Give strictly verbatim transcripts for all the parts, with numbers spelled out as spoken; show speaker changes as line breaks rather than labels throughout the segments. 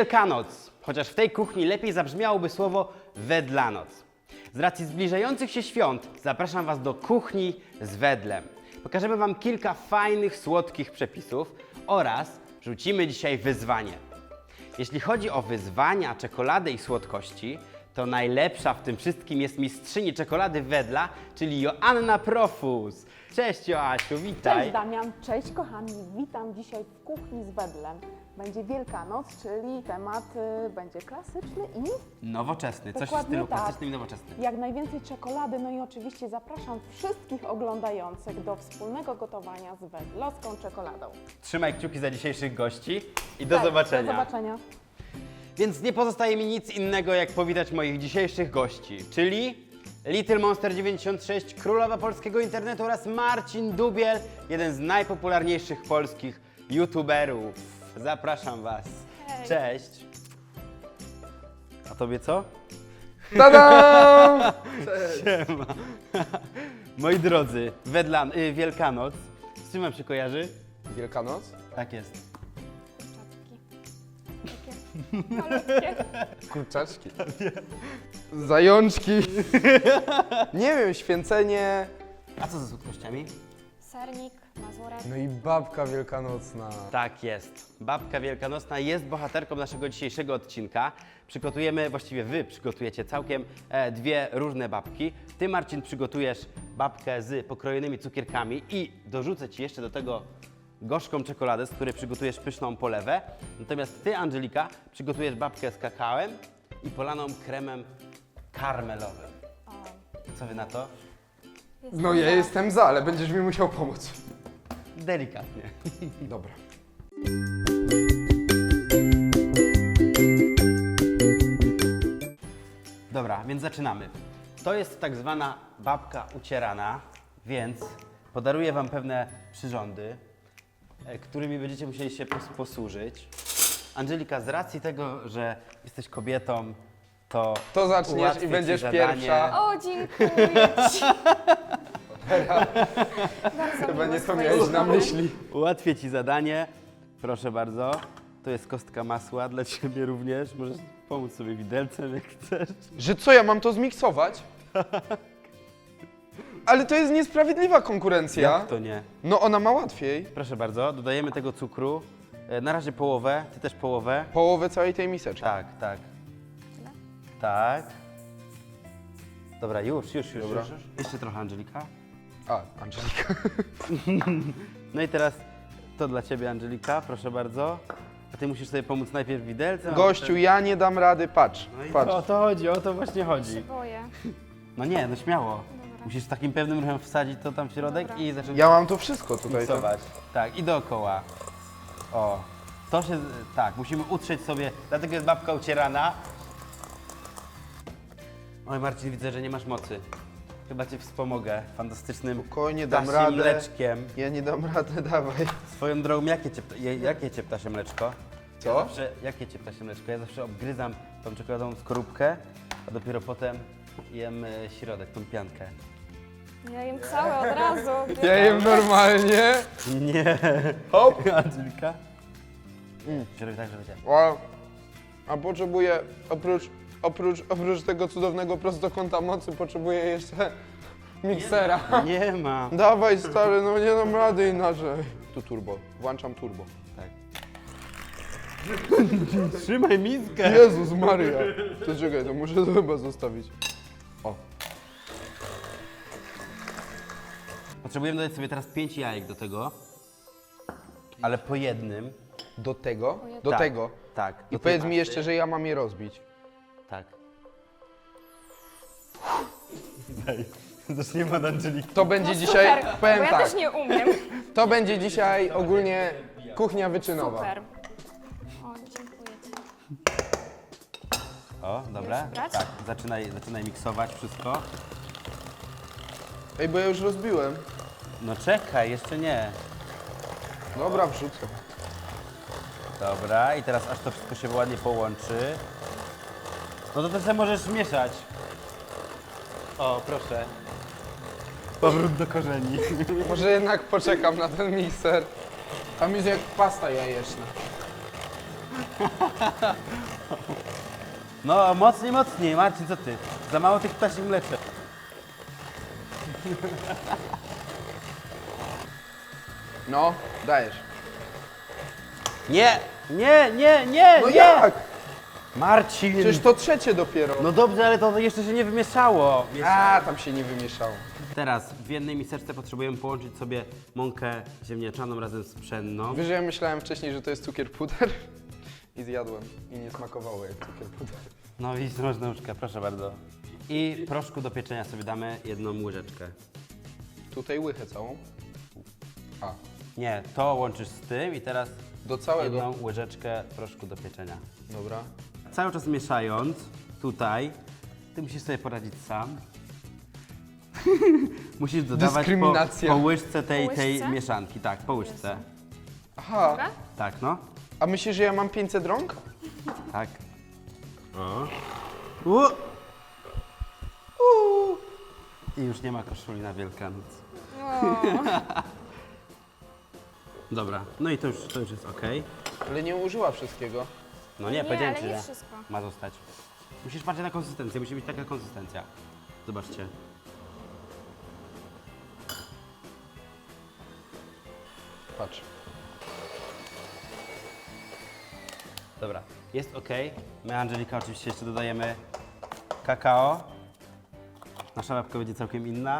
Wielkanoc, chociaż w tej kuchni lepiej zabrzmiałoby słowo wedlanoc. Z racji zbliżających się świąt zapraszam Was do kuchni z wedlem. Pokażemy Wam kilka fajnych, słodkich przepisów oraz rzucimy dzisiaj wyzwanie. Jeśli chodzi o wyzwania, czekoladę i słodkości, to najlepsza w tym wszystkim jest mistrzyni czekolady wedla, czyli Joanna Profus. Cześć Joasiu, witaj.
Cześć Damian, cześć kochani, witam dzisiaj w kuchni z wedlem. Będzie Wielkanoc, czyli temat y, będzie klasyczny i
Nowoczesny, coś w
dokładnie
stylu
tak.
klasycznym i nowoczesnym.
Jak najwięcej czekolady, no i oczywiście zapraszam wszystkich oglądających do wspólnego gotowania z wedlowską czekoladą.
Trzymaj kciuki za dzisiejszych gości i do
Tak,
zobaczenia.
Do zobaczenia.
Więc nie pozostaje mi nic innego, jak powitać moich dzisiejszych gości, czyli Little Monster dziewięćdziesiąt sześć, królowa polskiego internetu oraz Marcin Dubiel, jeden z najpopularniejszych polskich youtuberów. Zapraszam Was.
Hej.
Cześć. A tobie co?
Tada!
Siema. Moi drodzy, Wedlan, y, Wielkanoc. Z czym Wam się kojarzy?
Wielkanoc?
Tak jest.
Malutkie.
Kurczaczki. Zajączki. Nie wiem, święcenie.
A co ze słodkościami?
Sernik, mazurek.
No i babka wielkanocna.
Tak jest. Babka Wielkanocna jest bohaterką naszego dzisiejszego odcinka. Przygotujemy, właściwie Wy przygotujecie całkiem e, dwie różne babki. Ty, Marcin, przygotujesz babkę z pokrojonymi cukierkami i dorzucę Ci jeszcze do tego gorzką czekoladę, z której przygotujesz pyszną polewę. Natomiast Ty, Angelika, przygotujesz babkę z kakałem i polaną kremem karmelowym.
O,
Co Wy na to?
jest
No ja jestem za, ale będziesz mi musiał pomóc.
Delikatnie.
Dobra.
Dobra, więc zaczynamy. To jest tak zwana babka ucierana, więc podaruję Wam pewne przyrządy, e, którymi będziecie musieli się pos- posłużyć. Angelika, z racji tego, że jesteś kobietą, to
To zaczniesz
ułatwię
i
ci
będziesz
zadanie.
pierwsza.
O, dziękuję Ci. Bardzo
Chyba
miło
nie
z
to
twojej
miałeś na
strony.
myśli.
Ułatwię Ci zadanie. Proszę bardzo. To jest kostka masła dla Ciebie również. Możesz pomóc sobie widelcem, jak chcesz.
Że co, ja mam to zmiksować? Ale to jest niesprawiedliwa konkurencja.
Jak to nie?
No ona ma łatwiej.
Proszę bardzo, dodajemy tego cukru. E, Na razie połowę, Ty też połowę.
Połowę całej tej miseczki.
Tak, tak.
Tyle?
Tak. Dobra, już, już, już,
Dobra.
już, już. Jeszcze trochę, Angelika.
A, Angelika.
No i teraz to dla Ciebie, Angelika, proszę bardzo. A Ty musisz sobie pomóc najpierw widelcem. a
Gościu,
potem-
ja nie dam rady, patrz.
No i
Patrz.
o to chodzi, o to właśnie
Się
chodzi.
boję.
No nie, no śmiało.
Dobra.
Musisz takim pewnym ruchem wsadzić to tam w środek
Dobra.
i zacząć
Ja mam tu wszystko tutaj. To.
miksować. Tak, i dookoła. O, to się, tak, musimy utrzeć sobie, dlatego jest babka ucierana. Oj Marcin, widzę, że nie masz mocy. Chyba Cię wspomogę fantastycznym
Spokojnie, dam
ptasim
radę.
mleczkiem.
Ja nie dam rady, dawaj.
Swoją drogą, jakie Cię, je- jakie cię ptasie mleczko? Ja
Co?
zawsze, jakie Cię ptasie mleczko? Ja zawsze obgryzam tą czekoladą skorupkę, a dopiero potem jem e, środek, tą piankę.
Ja jem całe od razu.
Ja jem normalnie.
Nie.
Hop.
Angelika?
Mm.
Środek tak, żeby Cię...
A, a potrzebuję, oprócz, oprócz, oprócz tego cudownego prostokąta mocy, potrzebuję jeszcze miksera.
Nie ma.
Dawaj stary, no nie dam rady inaczej. Tu turbo, włączam turbo.
Tak. Trzymaj miskę.
Jezus Maria. To czekaj, to muszę to chyba zostawić. O,
Potrzebujemy dodać sobie teraz pięć jajek do tego, ale po jednym.
do tego,
jednym.
do
Tak,
tego.
Tak.
I
do tej
powiedz mi
masy.
jeszcze, że ja mam je rozbić.
Tak. Daj. Zaczniemy od Angeliki.
To będzie
No
dzisiaj,
super, bo
powiem
ja
tak,
też nie umiem.
to będzie dzisiaj ogólnie kuchnia wyczynowa.
Super. O, dziękuję Ci.
O, dobra.
Już brać?
Tak, zaczynaj, zaczynaj miksować wszystko.
Ej, bo ja już rozbiłem.
No czekaj, jeszcze nie.
Dobra, wrzucę.
Dobra, i teraz aż to wszystko się ładnie połączy. No to też sobie możesz mieszać. O, proszę. Powrót do korzeni.
Może jednak poczekam na ten mikser. Tam jest jak pasta jajeczna.
No, mocniej, mocniej. Marcin, co ty? Za mało tych ptasich mleczek.
No, dajesz.
Nie, nie, nie, nie,
No
nie!
jak?
Marcin!
Przecież to trzecie dopiero.
No dobrze, ale to jeszcze się nie wymieszało.
A, tam się nie wymieszało.
Teraz w jednej miseczce potrzebujemy połączyć sobie mąkę ziemniaczaną razem z pszenną.
Wiesz, że ja myślałem wcześniej, że to jest cukier puder i zjadłem i nie smakowało jak cukier puder.
No widzisz, masz nóżkę, proszę bardzo. I proszku do pieczenia sobie damy jedną łyżeczkę.
Tutaj łychę całą. A,
Nie, to łączysz z tym i teraz
do całego.
jedną łyżeczkę proszku do pieczenia.
Dobra.
Cały czas mieszając tutaj, ty musisz sobie poradzić sam. Musisz dodawać po,
Dyskryminacja.
po łyżce tej,
Po
tej
łyżce?
mieszanki. Tak, po łyżce.
Aha,
Dobra?
Tak, no.
a myślisz, że ja mam pięćset rąk?
Tak. O. U. U. I już nie ma koszuli na Wielkanoc.
O,
Dobra, no i to już, to już jest ok.
Ale nie użyła wszystkiego.
No nie,
nie,
powiedziałem
ale
ci,
nie
że
wszystko.
ma zostać. Musisz patrzeć na konsystencję, musi być taka konsystencja. Zobaczcie.
Patrz.
Dobra, jest ok. My, Angelika, oczywiście jeszcze dodajemy kakao. Nasza łapka będzie całkiem inna.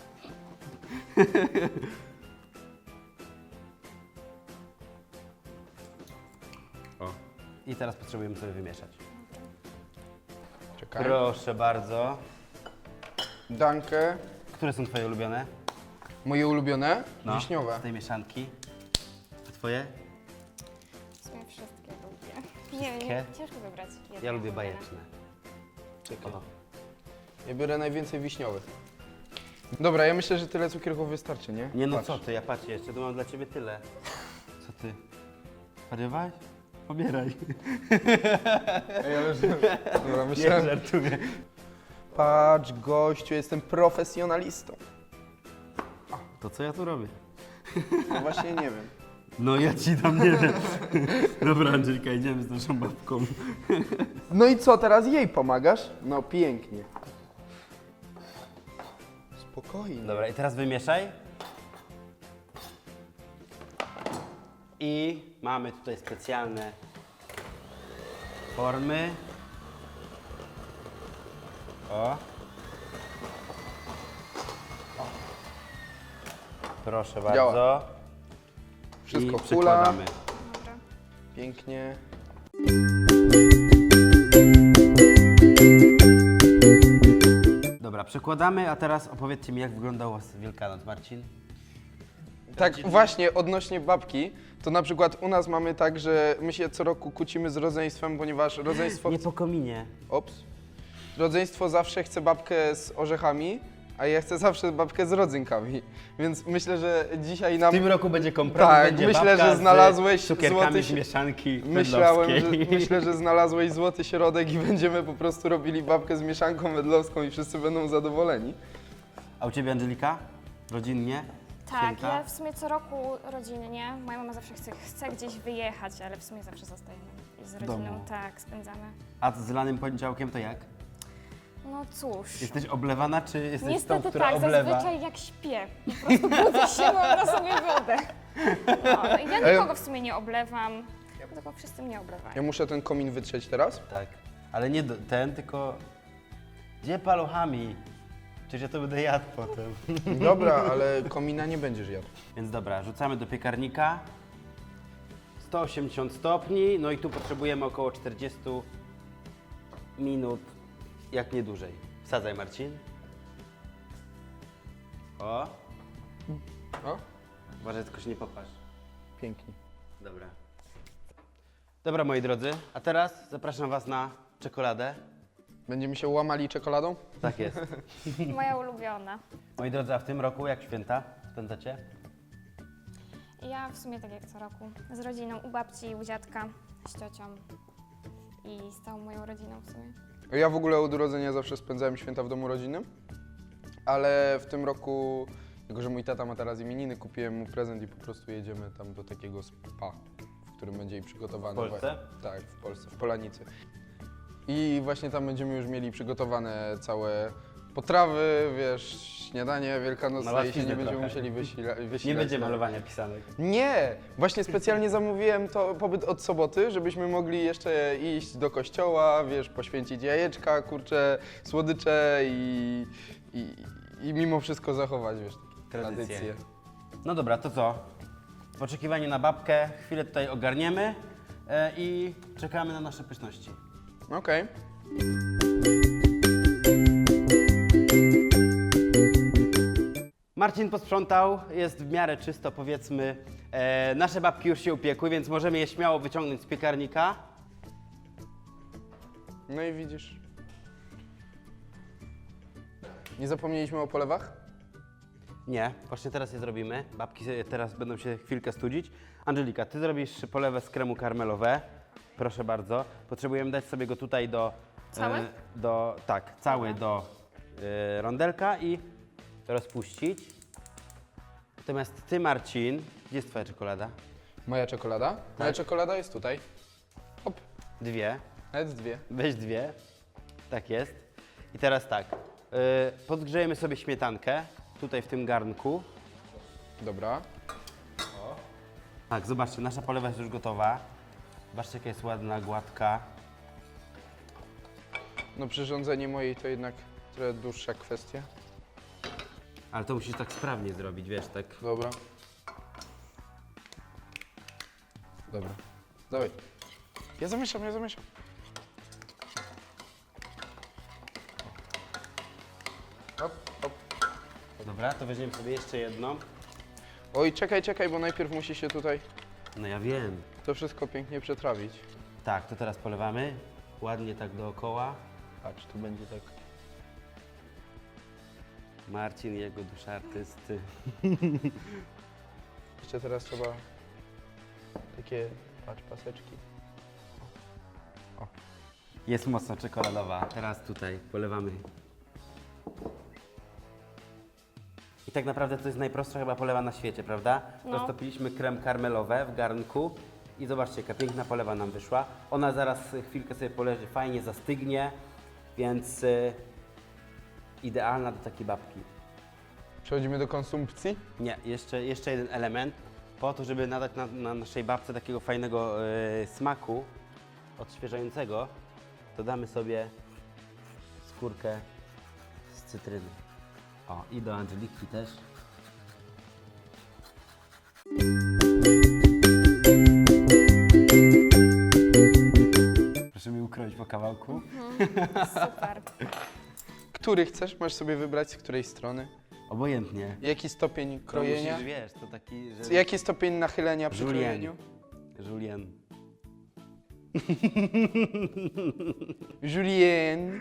O. I teraz potrzebujemy sobie wymieszać.
Czekaj.
Proszę bardzo.
Dankę.
Które są twoje ulubione?
Moje ulubione?
No,
Wiśniowe.
z tej mieszanki. A twoje?
w sumie wszystkie lubię. Nie,
Wszystkie?
nie, ciężko wybrać jedno.
Ja lubię
ulubione.
bajeczne.
Czekaj.
O.
Ja biorę najwięcej wiśniowych. Dobra, ja myślę, że tyle cukierków wystarczy, nie?
Nie no
Patrz.
co ty, ja patrzę jeszcze, tu mam dla ciebie tyle. Co ty? Zwariowałeś? Pobieraj.
Ej, ale że... Dobra,
Nie
myślałem...
żartuję.
Patrz, gościu, jestem profesjonalistą.
To co ja tu robię?
No właśnie nie wiem.
No ja ci tam nie wiem. Dobra Angelika, idziemy z naszą babką.
No i co, teraz jej pomagasz? No pięknie. Spokojnie.
Dobra, i teraz wymieszaj. I mamy tutaj specjalne formy. O. Proszę bardzo.
Działa. Wszystko
I
hula.
przykładamy.
Dobra.
Pięknie.
Dobra, przekładamy, a teraz opowiedzcie mi, jak wyglądał u was Wielkanoc, Marcin.
Tak, właśnie odnośnie babki, to na przykład u nas mamy tak, że my się co roku kłócimy z rodzeństwem, ponieważ rodzeństwo...
Nie po kominie.
Ops. Rodzeństwo zawsze chce babkę z orzechami, a ja chcę zawsze babkę z rodzynkami. Więc myślę, że dzisiaj
W
nam...
tym roku będzie kompromis,
Tak,
będzie
myślę,
babka
że znalazłeś
z cukierkami
złoty
z
si-
mieszanki
Myślałem, że,
wedlowskiej.
myślę, że znalazłeś złoty środek i będziemy po prostu robili babkę z mieszanką wedlowską i wszyscy będą zadowoleni.
A u ciebie, Angelika? Rodzinnie?
Tak,
Święta?
ja w sumie co roku rodzinnie. Moja mama zawsze chce, chce gdzieś wyjechać, ale w sumie zawsze zostajemy i z rodziną.
domu.
Tak, spędzamy.
A z lanym poniedziałkiem to jak?
No cóż.
Jesteś oblewana, czy jesteś tą,
Niestety
która
tak,
oblewa?
zazwyczaj jak śpię. Po prostu budzę się, mam na sobie wodę. No, ja nikogo w sumie nie oblewam, tylko wszyscy mnie oblewają.
Ja muszę ten komin wytrzeć teraz.
Tak, ale nie do, ten, tylko... Gdzie paluchami? Przecież ja to będę jadł potem.
Dobra, ale komina nie będziesz jadł.
Więc dobra, rzucamy do piekarnika. sto osiemdziesiąt stopni, no i tu potrzebujemy około czterdzieści minut, jak nie dłużej. Wsadzaj, Marcin. O,
O,
uważaj, tylko się nie popatrz.
pięknie.
Dobra. Dobra, moi drodzy, a teraz zapraszam was na czekoladę.
Będziemy się łamali czekoladą?
Tak jest.
Moja ulubiona.
Moi drodzy, a w tym roku jak święta spędzacie?
Ja w sumie tak jak co roku. Z rodziną, u babci, u dziadka, z ciocią i z całą moją rodziną w sumie.
Ja w ogóle od urodzenia zawsze spędzałem święta w domu rodzinnym, ale w tym roku, jako że mój tata ma teraz imieniny, kupiłem mu prezent i po prostu jedziemy tam do takiego spa, w którym będzie jej przygotowane.
W Polsce?
Wa- Tak, w Polsce, w Polanicy. I właśnie tam będziemy już mieli przygotowane całe potrawy, wiesz, śniadanie wielkanocne
Na
i się nie
łatwiznę
będziemy
trochę.
musieli wysila- wysilać.
Nie będzie
na-
malowania pisanek.
Nie! Właśnie specjalnie zamówiłem to pobyt od soboty, żebyśmy mogli jeszcze iść do kościoła, wiesz, poświęcić jajeczka, kurcze, słodycze i, i, i mimo wszystko zachować, wiesz,
Tradycje.
tradycje.
No dobra, to co? W oczekiwaniu na babkę chwilę tutaj ogarniemy e, i czekamy na nasze pyszności.
Okej.
Marcin posprzątał, jest w miarę czysto, powiedzmy. E, nasze babki już się upiekły, więc możemy je śmiało wyciągnąć z piekarnika.
No i widzisz. Nie zapomnieliśmy o polewach?
Nie, właśnie teraz je zrobimy. Babki sobie teraz będą się chwilkę studzić. Angelika, ty zrobisz polewę z kremu karmelowe. Proszę bardzo. Potrzebujemy dać sobie go tutaj do...
Cały?
e, do tak, cały do e, rondelka i rozpuścić. Natomiast ty, Marcin, gdzie jest twoja czekolada?
Moja czekolada? Moja
Tak.
czekolada jest tutaj. Hop,
Dwie.
nawet dwie.
Weź dwie. Tak jest. I teraz tak. y, podgrzejemy sobie śmietankę tutaj w tym garnku.
Dobra.
Tak, zobaczcie, nasza polewa jest już gotowa. Zobaczcie, jaka jest ładna, gładka.
No przyrządzenie mojej to jednak trochę dłuższa kwestia.
Ale to musisz tak sprawnie zrobić, wiesz, tak.
Dobra. Dobra. Dawaj. Ja zamieszam, ja zamieszam. Hop, hop.
Dobra, to weźmiemy sobie jeszcze jedną.
Oj, czekaj, czekaj, bo najpierw musi się tutaj
No ja wiem.
to wszystko pięknie przetrawić.
Tak, to teraz polewamy. Ładnie tak dookoła.
Patrz, tu będzie tak.
Marcin i jego dusza artysty.
Jeszcze teraz trzeba takie, patrz, paseczki.
Jest mocno czekoladowa. Teraz tutaj polewamy. I tak naprawdę to jest najprostsza chyba polewa na świecie, prawda?
No.
Roztopiliśmy krem karmelowe w garnku i zobaczcie, jaka piękna polewa nam wyszła. Ona zaraz chwilkę sobie poleży, fajnie zastygnie, więc y, idealna do takiej babki.
Przechodzimy do konsumpcji.
Nie, jeszcze, jeszcze jeden element. Po to, żeby nadać na, na naszej babce takiego fajnego y, smaku odświeżającego, dodamy sobie skórkę z cytryny. O, i do Angeliki też. Proszę mi ukroić po kawałku.
Super.
Który chcesz? Masz sobie wybrać z której strony.
Obojętnie.
Jaki stopień
To
krojenia?
musisz, wiesz, to taki, że...
Jaki stopień nachylenia przy
Julien.
krojeniu?
Julien.
Julien.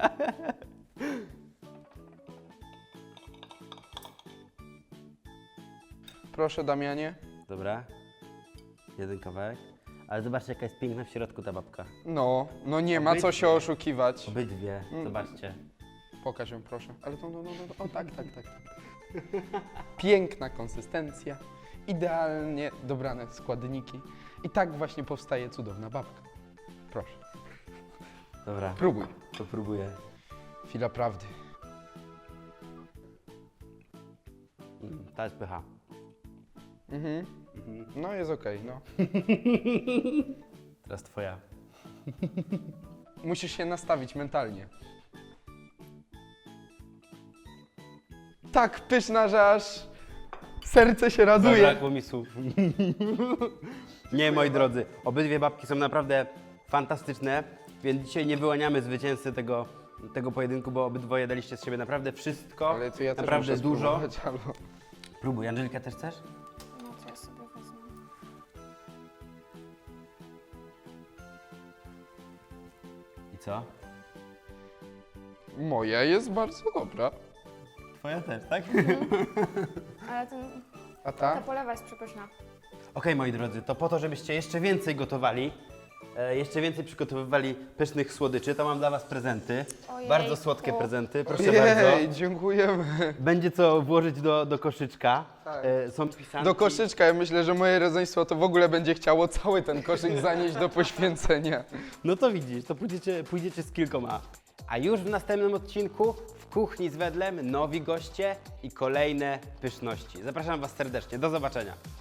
Proszę, Damianie.
Dobra. Jeden kawałek. Ale zobaczcie, jaka jest piękna w środku ta babka.
No, no nie ma co się oszukiwać.
Obydwie,
Mm.
zobaczcie.
Pokaż ją, proszę. Ale to, no, no, no, o tak, tak, tak. Piękna konsystencja, idealnie dobrane składniki. I tak właśnie powstaje cudowna babka. Proszę,
Dobra,
próbuj.
to próbuję.
Chwila prawdy.
Mm, ta jest pycha.
Mhm. No jest okej, no.
Teraz twoja.
Musisz się nastawić mentalnie. Tak pyszna, że aż serce się raduje.
Zabrakło mi słów. Nie, moi drodzy, obydwie babki są naprawdę fantastyczne, więc dzisiaj nie wyłaniamy zwycięzcy tego, tego pojedynku, bo obydwoje daliście z siebie naprawdę wszystko,
Ale to ja też
naprawdę
muszę
dużo.
spróbować, halo.
Próbuj, Angelika, też chcesz?
No to ja sobie wezmę.
I co?
Moja jest bardzo dobra.
Twoja też, tak?
Ale ten,
A
ta
ta?
polewa jest przepyszna.
Okej, moi drodzy, to po to, żebyście jeszcze więcej gotowali, e, jeszcze więcej przygotowywali pysznych słodyczy. To mam dla Was prezenty.
Ojejku.
Bardzo słodkie prezenty, proszę bardzo.
Jej, dziękujemy.
Będzie co włożyć do, do koszyczka.
Tak.
E, są pisanki.
Do koszyczka, ja myślę, że moje rodzeństwo to w ogóle będzie chciało cały ten koszyk zanieść do poświęcenia.
No to widzisz, to pójdziecie, pójdziecie z kilkoma. A już w następnym odcinku w kuchni z Wedlem nowi goście i kolejne pyszności. Zapraszam Was serdecznie. Do zobaczenia.